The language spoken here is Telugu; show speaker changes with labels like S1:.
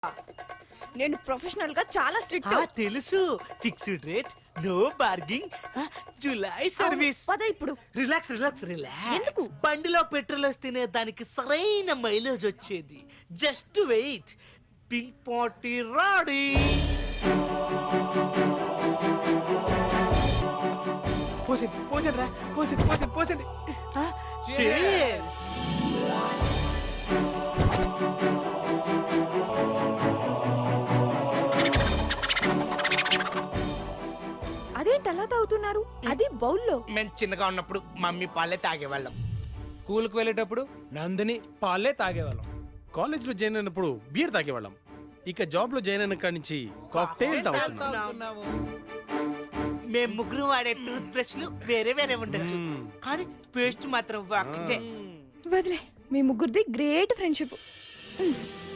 S1: నేను ప్రొఫెషనల్ గా చాలా స్ట్రిక్ట్.
S2: తెలుసు. Fixed rate, no bargaining, July service.
S1: పద ఇప్పుడు.
S2: Relax relax relax.
S1: ఎందుకు?
S2: బండిలో పెట్రోల్ వస్తేనే దానికి సరైన మైలేజ్ వచ్చేది. Just wait. పింక్ పార్టీ రాడీ. పోసింది రా, పోసింది. Cheers.
S1: అదేంటి అలా తాగుతున్నారు? అది బౌల్లో.
S2: మేము చిన్నగా ఉన్నప్పుడు మమ్మీ పాలే తాగేవాళ్ళం.
S3: స్కూల్కి వెళ్ళేటప్పుడు నందిని పాలే తాగేవాళ్ళం. కాలేజ్లో జాయిన్ అయినప్పుడు బీర్ తాగేవాళ్ళం. ఇక జాబ్లో జాయిన్ అయిన కాడి నుంచి కాక్టైల్ తాగుతున్నాం.
S2: మేము ముగ్గురు వాడే టూత్ బ్రష్లు వేరే వేరే ఉండొచ్చు, కానీ పేస్ట్ మాత్రం ఒకటే.
S1: వదిలే, మీ ముగ్గురిది గ్రేట్ ఫ్రెండ్షిప్.